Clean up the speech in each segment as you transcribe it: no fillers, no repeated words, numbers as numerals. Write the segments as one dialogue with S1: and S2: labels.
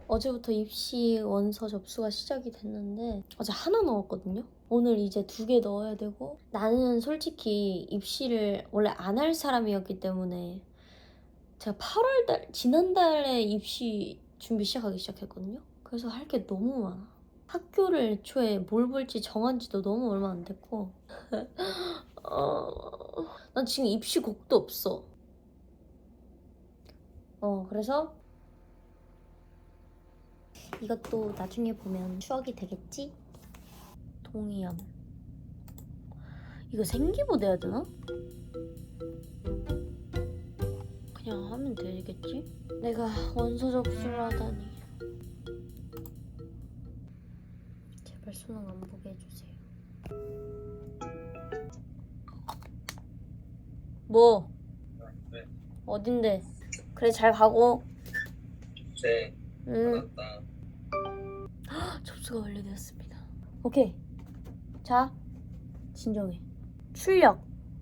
S1: 어제부터 입시 원서 접수가 시작이 됐는데 어제 하나 넣었거든요. 오늘 이제 2개 넣어야 되고, 나는 솔직히 입시를 원래 안 할 사람이었기 때문에 제가 8월달 지난달에 입시 준비 시작하기 시작했거든요. 그래서 할 게 너무 많아. 학교를 애초에 뭘 볼지 정한 지도 너무 얼마 안 됐고 난 지금 입시곡도 없어. 그래서 이것도 나중에 보면 추억이 되겠지? 동의함. 이거 생기부 내야 되나? 그냥 하면 되겠지? 내가 원서 접수를 하다니. 제발 수능 안 보게 해주세요. 뭐?
S2: 네.
S1: 어딘데? 그래, 잘 가고.
S2: 네.
S1: 응.
S2: 맞다.
S1: 접수가 완료되었습니다. 오케이. 자, 진정해. 출력.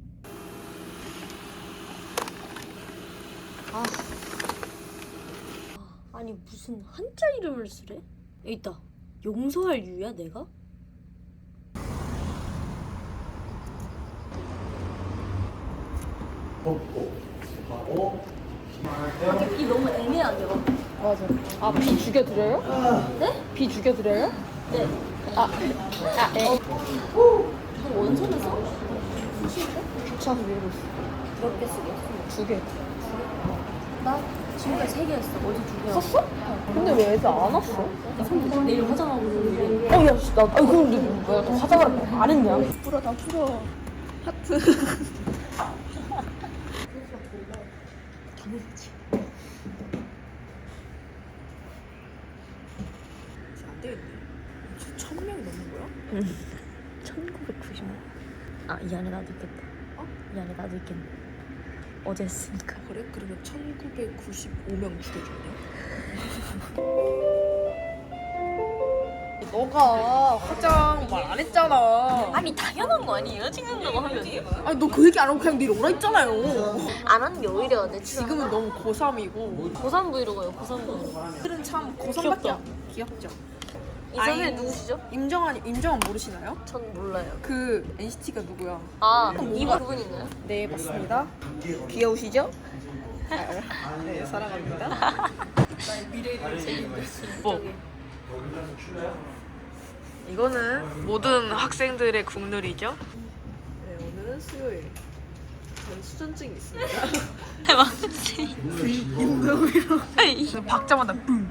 S1: 아니 무슨 한자 이름을 쓰래? 여기 있다. 용서할 유야 내가? 이 너무 애매하죠?
S3: 맞아. 아, 비 죽여드려요?
S1: 네?
S3: 비 죽여드려요?
S1: 네.
S3: 네.
S1: 너 원서는 써?
S3: 귀찮아서 밀고 있어.
S1: 몇 개 쓰게?
S3: 2개.
S1: 나 지금까지 3개 했어. 어제 2개.
S3: 썼어? 근데 왜 애들 안 왔어?
S1: 내일 화장하고 오는데.
S3: 야, 씨, 나, 근데 뭐야, 또 화장을 안 했냐? 풀어, 다 풀어. 하트.
S1: 당연하지.
S3: 안 되겠네. 1000명 넘는 거야?
S1: 1990만. 이 안에 나도 있겠다. 이 안에 나도 있겠네. 어제 했으니까.
S3: 그래? 그러면 1995명 죽여줬네? 너가 화장 말 안 했잖아.
S1: 아니 당연한 거 아니에요? 찍는다고 하면.
S3: 아니, 너 그 얘기 안 하고 그냥 내일 오라 했잖아요.
S1: 안 하는 게 오히려 내
S3: 지금은 너무 고3이고.
S1: 고3 브이로그예요. 고3 브이로그.
S3: 오늘은 참 고3밖에 귀엽죠.
S1: 이 선생님 누구시죠?
S3: 임정환 모르시나요?
S1: 전 몰라요.
S3: 그 NCT가 누구야?
S1: 이분 그분인가요?
S3: 네, 맞습니다. 귀여우시죠? 네, 사랑합니다. 뭐? 이거는 모든 학생들의 국룰이죠. 네, 오늘은 수요일. 저는 수전증이 있습니다.
S1: 맞지?
S3: 박자마다 뿡.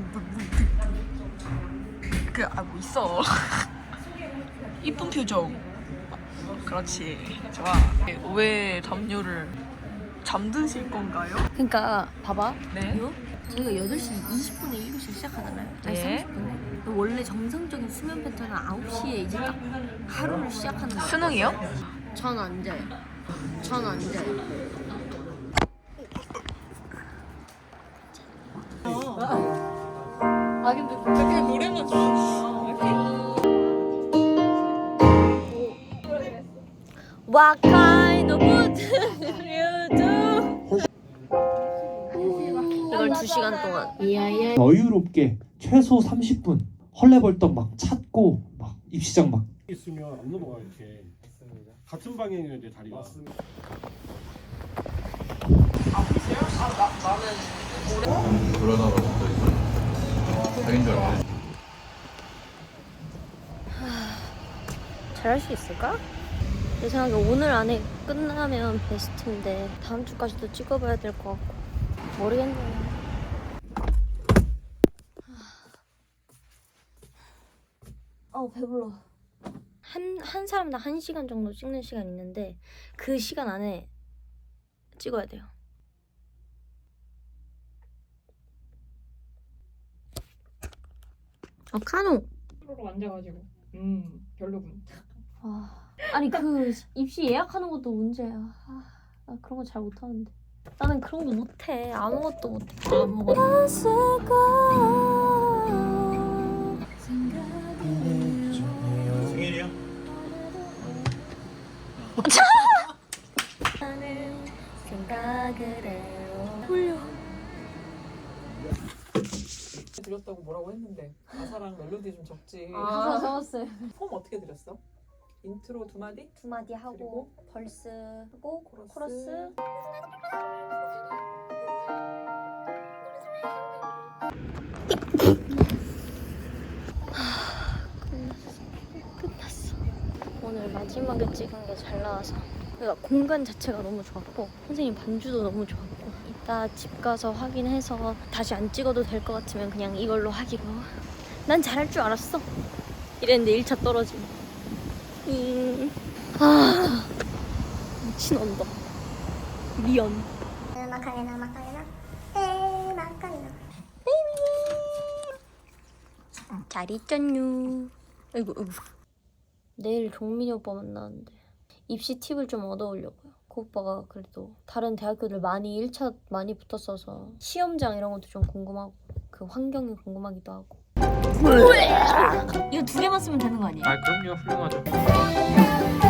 S3: 뭐 있어. 이쁜 표정. 그렇지. 좋아. 왜 담요를 잠드실 건가요?
S1: 그러니까 봐봐.
S3: 네.
S1: 이거 저희가 8시 20분에 1교시 시작하잖아요. 아니
S3: 네.
S1: 30분에. 원래 정상적인 수면 패턴은 9시에 이제 딱 하루를 시작하는 거예요.
S3: 수능이요?
S1: 전 안 자요. 전 안 자요.
S3: 근데 그냥 노래만 좋아하는
S1: What kind of food you do? 이걸 2시간 동안.
S4: 여유롭게 최소 30분 헐레벌떡 막 찾고 막 입시장 막
S5: 있으면 안 넘어가 이렇게. 같은 방향이면 이제 자리가. 맞습니다.
S6: 그러다가 또 자기인 줄 알았네.
S1: 잘할 수 있을까? 내 생각에 오늘 안에 끝나면 베스트인데 다음 주까지도 찍어봐야 될 것 같고 모르겠네요. 배불러. 한 사람당 1시간 정도 찍는 시간 있는데 그 시간 안에 찍어야 돼요. 카노.
S7: 프로로 앉아가지고 별로군.
S1: 아니 그 입시 예약하는 것도 문제야. 나 그런 거 잘 못하는데. 나는 그런 거 못해. 아무것도 못해. 아무것도.
S5: 생일이야?
S1: 생각을 해요. 홀려.
S8: 드렸다고 뭐라고 했는데 가사랑 멜로디 좀 적지.
S1: 가사 적었어요.
S8: 폼 어떻게 드렸어? 인트로 2마디?
S1: 2마디 하고
S8: 그리고?
S1: 벌스 하고
S8: 코러스.
S1: 코러스. 끝났어. 오늘 마지막에 찍은 게 잘 나와서 그러니까 공간 자체가 너무 좋았고 선생님 반주도 너무 좋았고 이따 집 가서 확인해서 다시 안 찍어도 될 것 같으면 그냥 이걸로 하기로. 난 잘할 줄 알았어 이랬는데 1차 떨어짐. 아 미친 언더 미연.
S9: 마카레나 마카레나 마카레나
S1: 잘 있잖유. 아이고 아이고. 내일 종민이 오빠 만나는데 입시 팁을 좀 얻어오려고요. 그 오빠가 그래도 다른 대학교들 많이 1차 많이 붙었어서 시험장 이런 것도 좀 궁금하고 그 환경이 궁금하기도 하고. 이거 2개만 쓰면 되는 거 아니에요?
S4: 아 그럼요 훌륭하죠.